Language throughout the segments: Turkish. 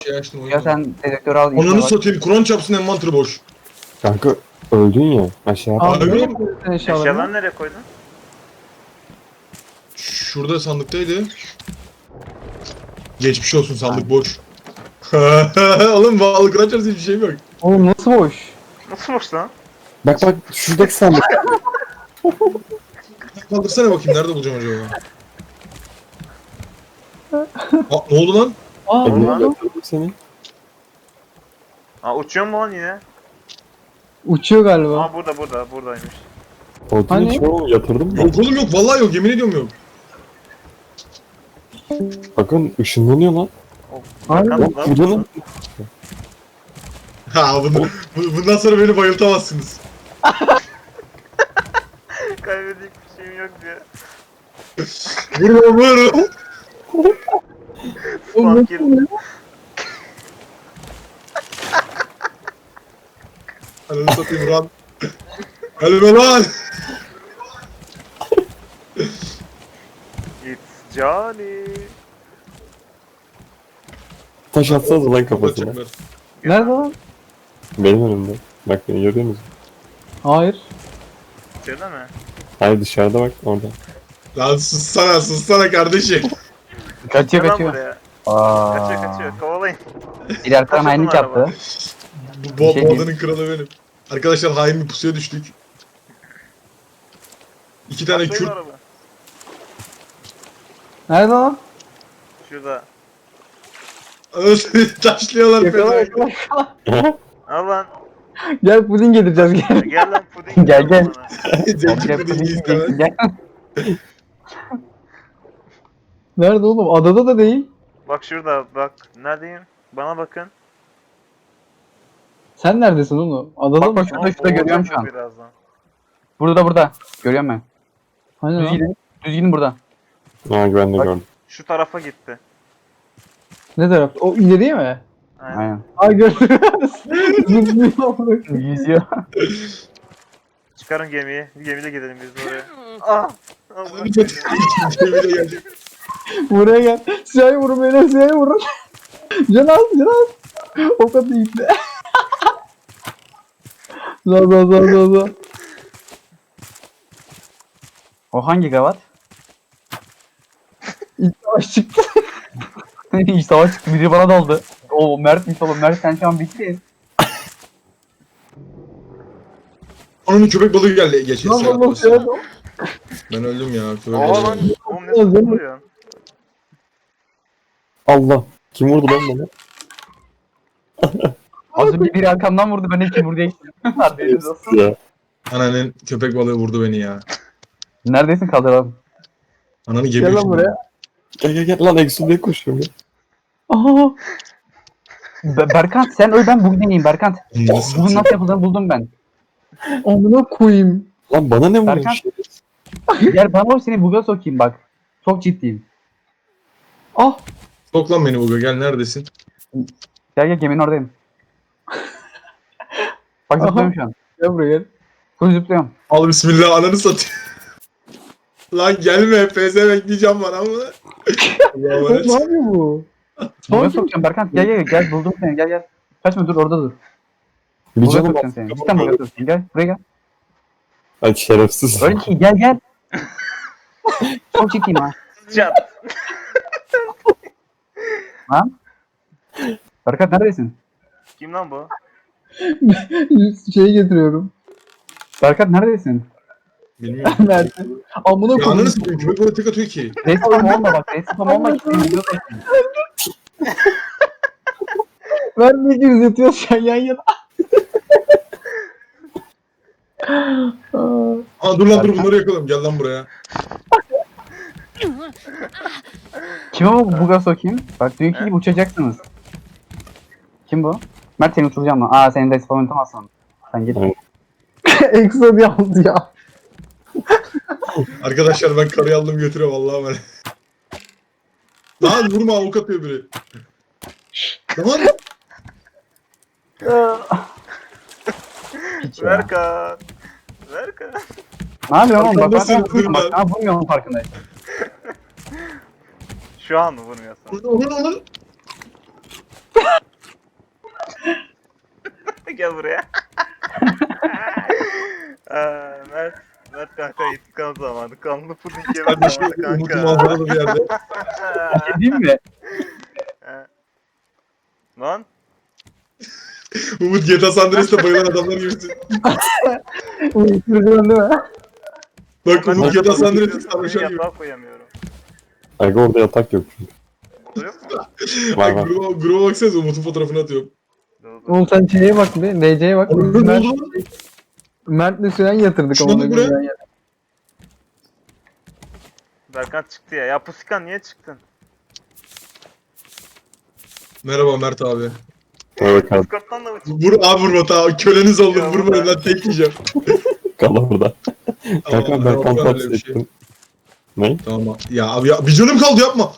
Şey açtım Ya oyunu. sen dedektörü al. işe Ananı bak. satayım. Kur'an çarpsın envanter boş. Kanka öldün ya. Aşağı Abi, atla. Abi öyle nereye mi? koydun eşyalarını? Eşyalarını nereye koydun? Şurada sandıktaydı. Geçmiş olsun sandık boş. Oğlum bağlı Kur'an çarpsın hiçbir şeyim yok. Oğlum nasıl boş? Nasıl boş lan? Bak bak şuradaki sandık. Kaldırsana bakayım nerede bulacağım acaba? Aa, ne oldu lan? Aa Evine Ulan. götürdüm seni. Aa uçuyor mu lan yine? uçuyor galiba. Aa buradaymış. Odun Hani? içi oğlum yatırdım mı? Yok oğlum yok vallahi yok yemin ediyorum yok. Bakın ışınlanıyor lan. Abi, Bakan Bak lan. burada lan. Ha bundan sonra beni bayıltamazsınız. Kaybedecek bir şeyim yok diye. Vurma. oğlum Fakir. nasıl ya? Ananı satayım Ran. Ölme lan. It's Johnny. Taş atsanız lan kafasına. Kapatacaklar. Nerede lan? Benim önümde. Bak beni görüyor musun? Hayır. İçeride mi? Hayır dışarıda bak orada. Lan sussana kardeşim. Kaçıyor Gel lan kaçıyor. buraya. Aa. Kaçıyor. Kovalayın. Bir arkadan Kaçırdım hainlik araba. yaptı. Bu Bir şey diyeyim. odanın kralı benim. Arkadaşlar hain bir pusuya düştük. İki tane Atlayın Kürt. araba. Nerede lan? Şurada. Taşlıyorlar Yakala pezevenk. yakala. Al lan. Gel puding getireceğiz gel. Gel lan puding. Gel, gel. bana. Zenci Gel, pudingi gel, istemez. gel. Nerede oğlum? Adada da değil. Bak şurada bak. Neredeyim? Bana bakın. Sen neredesin oğlum? Adada Bak, mı? bak, şurada görüyorum şu an. Birazdan. Burada. Görüyorum ben. Hani Düz lan? gidin. Düz gidin burada. Ha ben de Bak. gördüm. Şu tarafa gitti. Ne tarafta? O ileriye mi? Aynen. Aynen. Ay gördüm. Zıplıyor. Yüzüyor. Çıkarın gemiyi. Gemiyle gidelim biz de oraya. Ah! Allah. Ananı satayım. Cemile gelecek. Buraya gel. Siyahı vurun beni. Siyahı vurun. Can al. O kadar iyi. Za. O hangi gavat? İlk savaş çıktı. İşte savaş çıktı. Biri bana daldı. O Mert'miş oğlum. Mert sen şu an bitti. Onun köpek balığı geldi geçen Lan sefer. lan siyahı. Ben öldüm ya. Köpek Aa balığı. lan. Oğlum ne Oğlum, sıkılıyorsun? Allah. Kim vurdu lan bana? Az önce biri arkamdan vurdu. Ben de kim vurdu diye gittim. Haberiniz olsun. Ya. Ananın köpek balığı vurdu beni ya. Neredesin kaldıralım. Ananı Gel gemiyor lan şimdi. buraya. Gel lan Exo'ya koşuyorum ya. Aha. Berkant sen öl ben bugün deneyeyim Berkant. Ananı Bunun satayım. nasıl yapıldığını buldum ben. Amına koyayım. Lan bana ne vuruyor Berkan. şey? Gel bana seni buga sokayım bak. Çok ciddiyim. Ah. Sok lan beni Uga gel neredesin? Gel geminin oradayım. Bak Aha. zıplıyorum şu an. Gel buraya gel. Full zıplıyorum. Al bismillah ananı satayım. Lan gelme pezevenk diyeceğim bana ama. Allah'a Oğlum, emanet. ne yapıyor bu? Buga Sanki- sokacağım Berkant. Gel buldum seni gel. Kaçma dur orada dur. Bir Buga canım sokacağım seni. Cidden buga sokacağım. Gel buraya gel. Ay şerefsiz. Öyle ki gel. Çok ciddiyim ha. Can. Lan. Berkant neredesin? Kim lan bu? Şeyi getiriyorum. Berkant neredesin? Bilmiyorum. Nerede? Amına Ya koyayım. ananı satayım köpek balığı tek atıyor ki. Respam olma bak. Respam olma ki seni buga sokayım. Ben ne gibi yatıyoruz şu an yan yana. Aa, Aa dur lan dur bunları yakalım gel lan buraya. Kime bu buga sokayım? Bak dünkü gibi uçacaksınız. Kim bu? Mert seni uçuracağım lan. Aa senin de spam unutamazsın. Sen git. Evet. Exo diye aldı ya. Arkadaşlar ben karıyı aldım götürüyorum Allah'a emanet. Lan vurma avuk atıyor biri. Lan Hiç ya. Verkan. Verkan. Ne yapıyorsun oğlum? Bak Arkamda ben seni vurmuyorum bak. vurma. Ben vurmuyorum farkındayım. Şu an mı vurmuyorsun? onu Gel buraya. Mert kanka intikam zamanı. Kanlı puding yeme Kardeşim zamanı Umut'u kanka. manzaralı bir yerde. Değil mi? Lan Umut GTA San Andreas'ta bayılan adamlar gibisin. Uyuşturucu değil mi? Bak ben Umut sana GTA San Andreas'ta bakıyorum, sarhoşan gibi. yatağa koyamıyorum. Aga orada yatak yok çünkü. Burada yok mu? Var var. Gruba baksanıza Umut'un fotoğrafını atıyorum. Dur. Oğlum sen şeye bak bir. DC'ye bak. Oğlum Biz ne Mert, oldu? Mert'le Süren yatırdık Şuna onu. bak buraya. Berkan çıktı ya. Ya Pusikan niye çıktın? Merhaba Mert abi. Orada kal. Discord'dan da mı çıktın? Vur abi vurma tamam. Köleniz oldum. Ya Vurmayın vurma. lan tek yiyeceğim. Kal orada. Tamam, Kanka ben tamam, kontak öyle bir şey. ettim. Ne? Tamam. Ya abi ya bir canım kaldı yapma.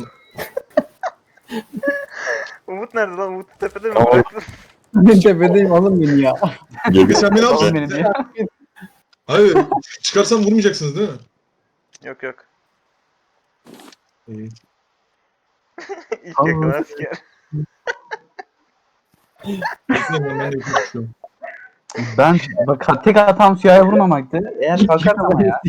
Umut nerede lan? Umut tepede mi Tamam. bıraktın? Ben tepedeyim alın beni ya. Geliyor. Sen beni Oğlum alacaksın. beni diye. Hayır. Çıkarsam vurmayacaksınız değil mi? Yok yok. İyi. İlk yakalar asker. Ben de konuşuyorum. Ben bak tek hatam Süha'ya vurmamaktı. Eğer kalkarsam ya.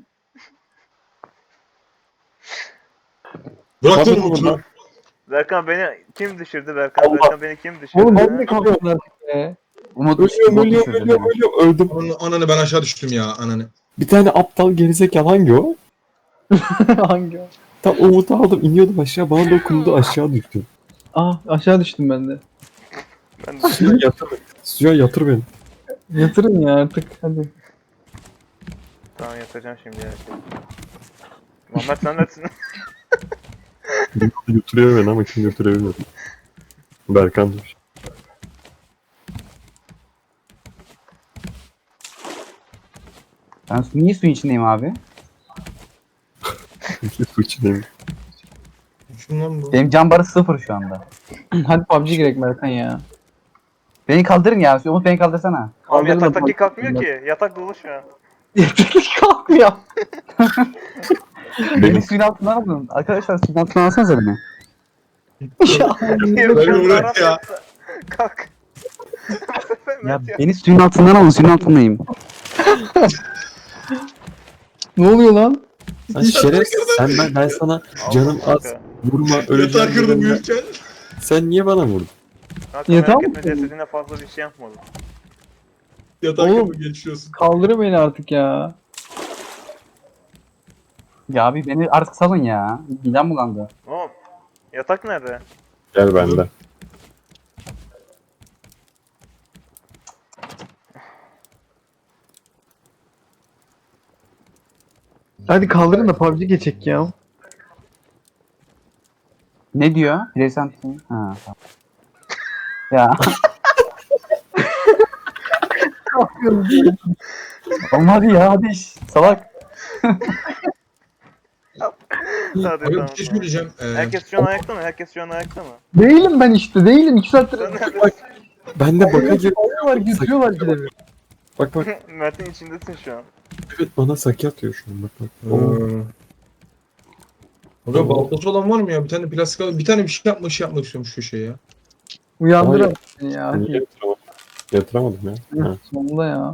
Bırak Tabii lan Umut'u. Berkan beni kim düşürdü? Berkan Allah. Berkan beni kim düşürdü? Oğlum ben de kalkıyorum artık be. Umut Ölüyorum. Öldüm. Ananı ben aşağı düştüm ya ananı. Bir tane aptal gerizekalı hangi o? Hangi o? Tam Umut'u aldım iniyordum aşağı bana dokundu aşağı düştüm. Ah aşağı düştüm ben de. Ben de Suya yatır. Suya yatır beni. Yatırın ya artık hadi. tamam yatacağım şimdi ya. Muhammed sen neredesin? Götürüyor beni ama kim götürebilmiyor. Berkan dur. Ben niye suyun içindeyim abi? Su içindeyim. Şundan bu. Benim can barı 0 şu anda. Hadi PUBG girek Merkan ya. Beni kaldırın ya. Umut beni kaldırsana. Abi Kaldırın da yataktaki bak- kalkmıyor ki. Yatak dolu şu an. Kalkmıyor. Beni suyun altından alın. Arkadaşlar suyun altından alsanıza beni. Yok, Ben yok, bırak Arap ya. yattı. Kalk. Ya beni suyun altından alın. Suyun altındayım. Ne oluyor lan? Sen şerefsiz. Ben sana canım az Kanka. vurma Yatağı öleceğim kırdım dedim. uyurken. Sen niye bana vurdun? Kanka Yatağı merak mı etme kırdın? cesedine fazla bir şey yapmadım. Yatağı Oğlum. kırdım geçiyorsun. Kaldırın beni artık ya. Ya abi beni artık salın ya. Midem bulandı. Oğlum yatak nerede? Gel bende. Hadi kaldırın da PUBG geçecek ya. Ne diyor? Bireysel Ha. Tamam. Ya. Olmadı ya hadi iş. Salak. Hadi Abi tamam. bir şey tamam. söyleyeceğim. Herkes şu an ayakta mı? Herkes şu an ayakta mı? Değilim ben işte değilim. 2 saattir Sen neredesin? Ben de baka gir. alıyorlar götürüyorlar bir de. Bak bak. Mert'in içindesin şu an. Evet bana saki atıyor şu an bak bak. Oo. Abi baltası olan var mı ya? Bir tane plastik al. Bir tane bir şey yapmak istiyorum şu köşeye ya. Uyandır Hayır. beni ya. Niye yatıramadım? Yatıramadım ya. Ha. Sonunda ya.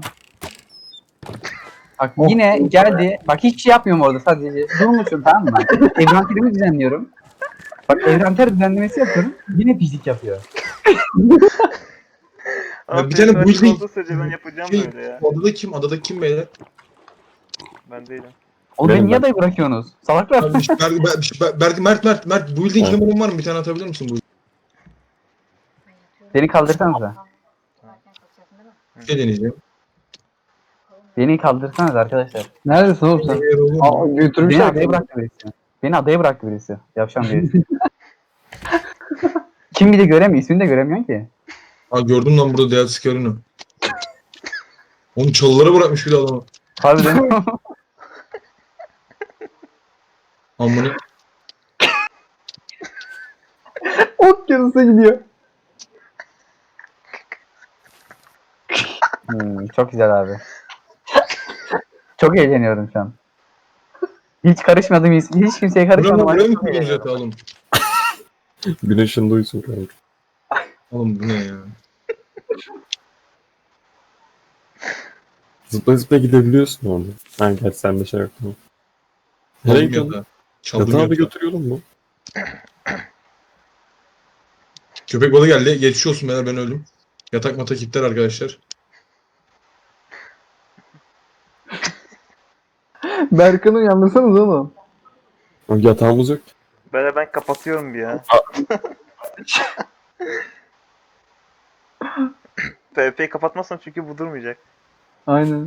Bak yine geldi. Bak hiç şey yapmıyorum orada sadece. Durmuşum tamam mı? Evrenterimi düzenliyorum. Bak evrenter düzenlemesi yapıyorum. Yine pislik yapıyor. Abi bir tane benim building- açık olduğu sürece ben yapacağım Şey, böyle ya. adada kim? Adada kim beyler? Ben değilim. Oğlum Benim beni niye ben. adayı bırakıyorsunuz? Salaklar. Abi, Mert building Evet. numaran var mı? Bir tane atabilir misin bu? Beni kaldırsanıza. Bir şey deneyeceğim. Beni kaldırsanız arkadaşlar. Neredesin oğlum sen? Eğer olur mu? Aa, götürmüş Beni artık. adaya bıraktı birisi. Beni adaya bıraktı birisi. Yapşan birisi. Kim bir de göremiyor. İsmini de göremiyorsun ki. Aa gördüm lan burada Dead Scar'ını. Onu çalılara bırakmış bir de adamı. Harbiden. Amına. Ok yarısı gidiyor. Çok güzel abi. Çok eğleniyorum şu an. Hiç karışmadım, hiç kimseye karışmadım. Buraya mı Çok koydunuz eğleniyorum. yatağı oğlum? Güneşin duysun kanka. Oğlum bu ne ya? Zıpla zıpla gidebiliyorsun orada. Ha gerçi sende şey yok tamam. Nereye Çaldım gidiyorsun? yatağı. Çaldım Yatağı da yatağı. götürüyorum mu? Köpek balığı geldi. Geçmiş olsun beyler, ben öldüm. Yatak matak iptal arkadaşlar. Berkan'ı uyandırsanız oğlum. Yatağımız yok. Böyle ben kapatıyorum bir ya. PvP'yi kapatmazsam çünkü bu durmayacak. Aynen.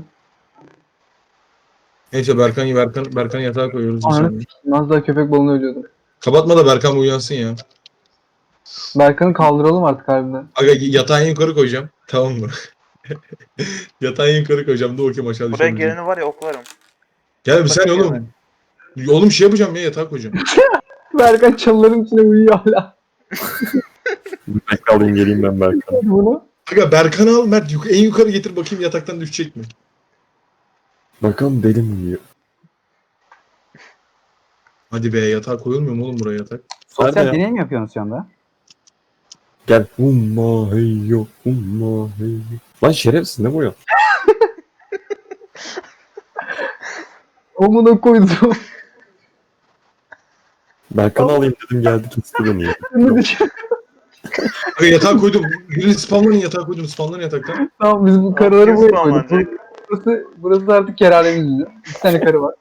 Neyse Berkan yatağa koyuyoruz. bir Ananı saniye. s**eyim. Az daha köpek balığını ölüyordum. Kapatma da Berkan bir uyansın ya. Berkan'ı kaldıralım artık harbiden. Aga yatağı en yukarı koyacağım. Tamam mı? Yatağı en yukarı koyacağım. Dur bakayım aşağı Buraya düşebileceğim. geleni var ya oklarım. Gel bir saniye Sakın oğlum. Oğlum şey yapacağım ya, yatağa koyacağım. Berkan çalıların içine uyuyor hala. Bekle alayım geleyim ben Berkan. Bunu. Aga Berkan'ı al Mert en yukarı getir bakayım yataktan düşecek mi? Bakalım deli mi yiyor? Hadi be, yatağa koyulmuyor mu oğlum buraya yatak? Sosyal Nerede ya? deney mi yapıyorsunuz şu anda? Gel. Humma hey yo. Humma hey yo. Lan şerefsiz ne bu ya? Omuna koydum. Berkan'ı alayım dedim geldi kesti beni ya. Şimdi dışarı. Aga yatağa koydum. Birini spamlanın yatağa koydum. Spamlanın yataktan. Tamam biz bu karıları Kim buraya koyduk. spamlanacak? Burası da artık kerhanemiz bizim. 2 tane karı var.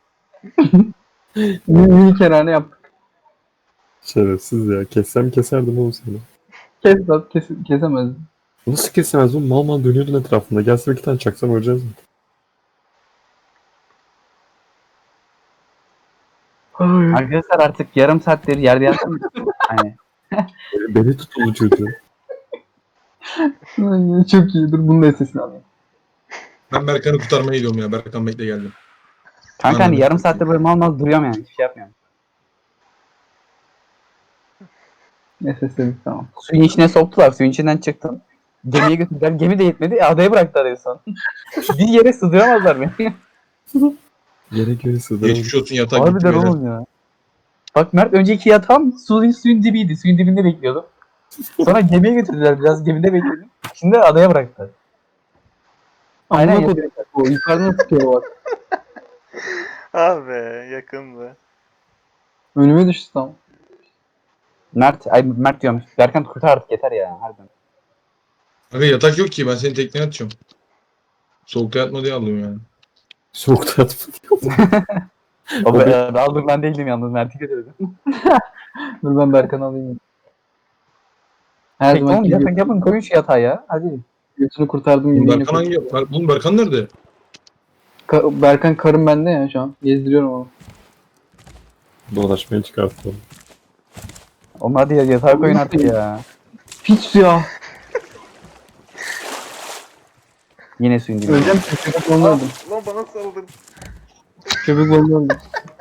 Mini kerhane yaptık. Şerefsiz ya. Kessem keserdim oğlum seni. Kes lan kesemez. Nasıl kesemez oğlum? Mal mal dönüyordun etrafında. Gelsin 2 tane çaksam öleceğiz mi? Ay. Arkadaşlar artık yarım saattir yerde yattım. Hani Beni tutuldu çocuğu. Ay, çok iyi. Dur bunun da sesini alayım. Ben Berkan'ı kurtarmaya gidiyorum ya. Berkan bekle geldim. kanka hani Anladım. yarım saattir böyle mal mal duruyorum yani. Hiçbir şey yapmıyorum. Nefes dedik tamam. Suyun içine soktular. Suyun içinden çıktım. Gemiye götürdüler. Gemi de yetmedi. Adaya bıraktılar en son. Bir yere sığdıramazlar beni. Yere göre sığdıramam. Geçmiş olsun yatağa gitti Harbiden beyler. oğlum ya. Bak Mert önceki yatağım suyun dibiydi. Suyun dibinde bekliyordum. Sonra gemiye götürdüler. Biraz gemide bekledim. Şimdi adaya bıraktılar. Aynen Amına yatıyor. koydum. O yukarıdan tutuyor bak. Ah be yakındı. Önüme düştü tam. Mert diyorum. Berkan kurtar artık yeter ya. Harbiden. Aga yatak yok ki, ben seni tekneye atacağım. Soğukta yatma diye aldım yani. Soğukta yatmadım. Aldım ben değildim yalnız. Mert'i götürdüm. Dur ben Berkan'ı alayım. Her Peki zaman oğlum yapın koyun şu yatağa ya. Hadi. götünü kurtardım Oğlum gibi. Berkan hangi? Oğlum Berkan nerede? Berkan karım bende ya şu an. Gezdiriyorum onu. Dolaşmaya çıkartalım. Oğlum hadi ya yatağa koyun artık ya. Hiç ya. Yine suyun dibinde. Öleceğim ki köpek balığını öldüm. Lan bana saldın. Köpek balığını öldüm.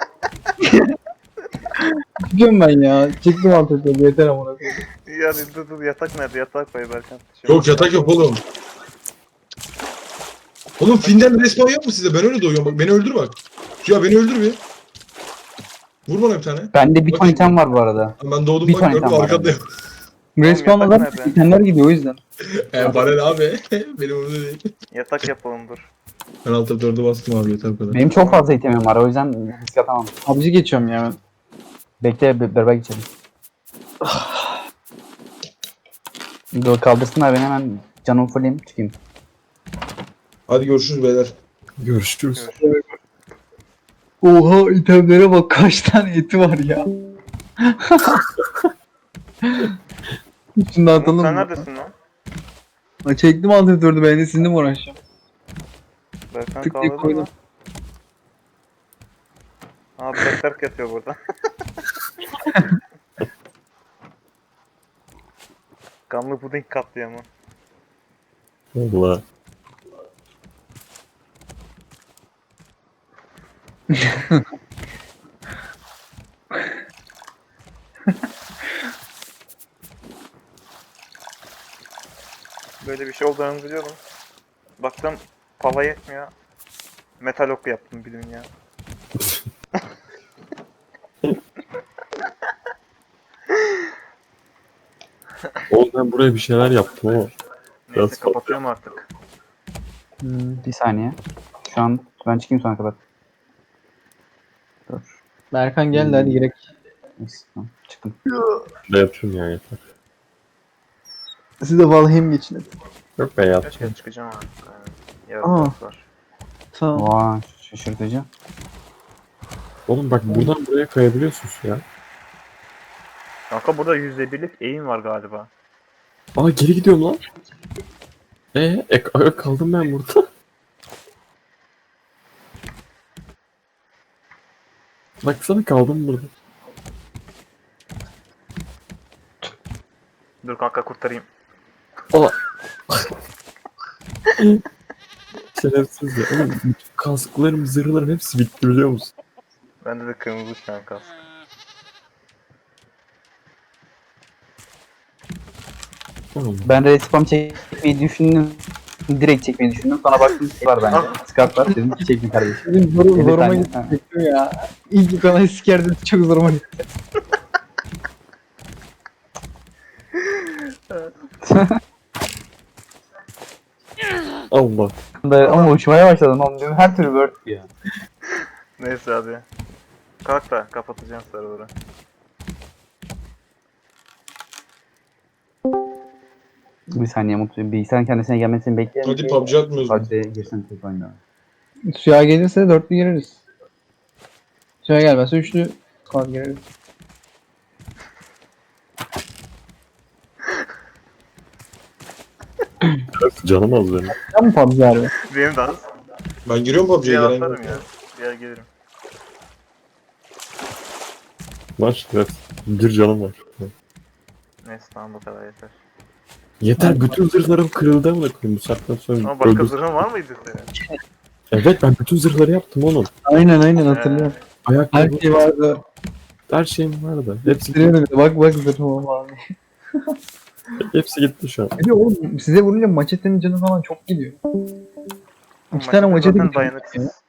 Çıkıyorum ben ya. Çıktım artık. Yeter amına koyayım. Yani dur yatak nerede? Yatak koy Berkan. Yok yatak yok oğlum. Oğlum Finden respawn yok mu size? Ben öyle doyuyorum bak. Beni öldür bak. Ya beni öldür bir. Vur bana bir tane. Bende bir ton item var bu arada. Ben doğdum Bir bak tane gördüm tam var arkadayım. Respawn yatak olarak nerede? itemler gidiyor o yüzden. Bana ne abi? Benim umurumda değil. Yatak yapalım dur. Ben alt F4'e bastım abi yeter bu kadar. Benim çok fazla itemim var o yüzden risk atamam. PUBG geçiyorum ya. Bekle beraber geçelim. Dur kaldırsınlar beni hemen canımı fulleyim çıkayım. Hadi görüşürüz beyler. Görüşürüz. Oha itemlere bak kaç tane eti var ya. Şunu da Umut atalım sen mı? neredesin lan? Ha, çektim alt F4'ü ben de sizinle mi uğraşacağım? Berkan Tık diye kaldırdın koydum. mı? Abi Berk yatıyor burada. Kanlı puding katliamı. Valla. Böyle bir şey olduğunu biliyorum. Baktım pala yetmiyor. Metal ok yaptım bilin ya. Oğlum ben buraya bir şeyler yaptım ama. Neyse Biraz kapatıyorum artık. Bir saniye. Şu an ben çıkayım sonra kadar. Dur. Berkan gel de hadi girek. Neyse, tamam. Çıktım. Ne yapıyorum ya yeter. Siz de Valheim geçin hadi. Yok be Kaç kere çıkacağım artık. Yani. Yarın Aa. ders var. Tamam. Vay şaşırtıcı. Oğlum bak buradan buraya kayabiliyorsun ya. Kanka burada %1'lik eğim var galiba. Aa geri gidiyorum lan. Kaldım ben burada. Baksana kaldım burada. Dur kanka kurtarayım. Şerefsiz ya. Oğlum bütün kasklarım, zırhlarım hepsi bitti biliyor musun? Bende de kırmızı şu an kask. Oğlum. Ben respawn çekmeyi düşündüm. Direkt çekmeyi düşündüm. Sonra baktım şey var bende. Scout var. Dedim ki çektim kardeşim. Benim zoruma tane, gitti ha. ya. İlk kanayı sikerdim çok zoruma gitti. Allah. Ama uçmaya başladım. Oğlum dedim her türlü word ya. Neyse hadi. Kalk da kapatacağım server'ı. Bir saniye mutlu. Bilgisayarın kendisine gelmesini bekleyelim. Hadi PUBG atmıyoruz. PUBG'ye girsin tek oyunda. Suya gelirse dörtlü gireriz. Suya gelmezse üçlü squad gireriz. Canım az benim. Sen mi PUBG harbi? Benim de az. Ben giriyorum PUBG'ye Bir gelen. atarım ya. Bir yer gelirim. Var evet. Bir canım var. Neyse tamam bu kadar yeter. Yeter bütün zırhlarım kırıldı ama koyayım bu saatten sonra Ama başka öldür. zırhın var mıydı senin? Evet ben bütün zırhları yaptım oğlum. Aynen hatırlıyorum. Her Ayakkabı şey vardı. her şeyim vardı. Hepsi Sürüyordu bir de. Bak zırhıma abi. hepsi gitti şu an. Bir de oğlum size vurunca maçetenin canı falan çok gidiyor. İki tane Maçta maçete zaten gidiyor. dayanıksız.